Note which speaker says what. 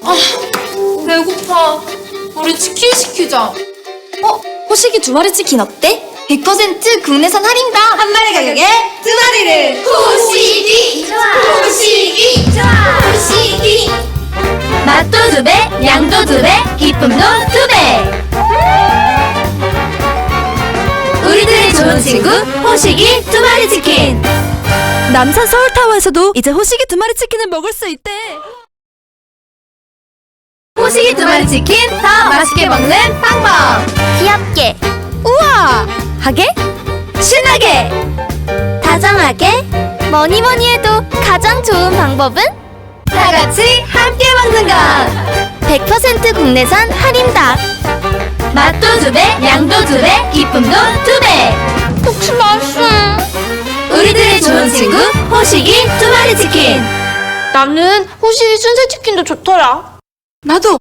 Speaker 1: 배고파. 우리 치킨 시키자.
Speaker 2: 호식이 2마리 치킨 어때? 100% 국내산 할인다. 한 마리 가격에 2마리를.
Speaker 1: 호식이 좋아. 호식이 좋아. 호식이.
Speaker 2: 맛도 2배, 양도 2배, 기쁨도 2배. 우리들의 좋은 친구 호식이 2마리 치킨. 남산 서울타워에서도 이제 호식이 2마리 치킨을 먹을 수 있대. 호식이 2마리 치킨 더 맛있게 먹는 방법. 귀엽게, 우아하게, 신나게, 다정하게. 뭐니 해도 가장 좋은 방법은 다 같이 함께 먹는 것. 100% 국내산 할인닭. 맛도 2배, 양도 2배, 기쁨도 2배. 혹시 맛있어? 우리들의 좋은 친구 호식이 2마리 치킨.
Speaker 1: 나는 호식이 순살 치킨도 좋더라.
Speaker 2: 나도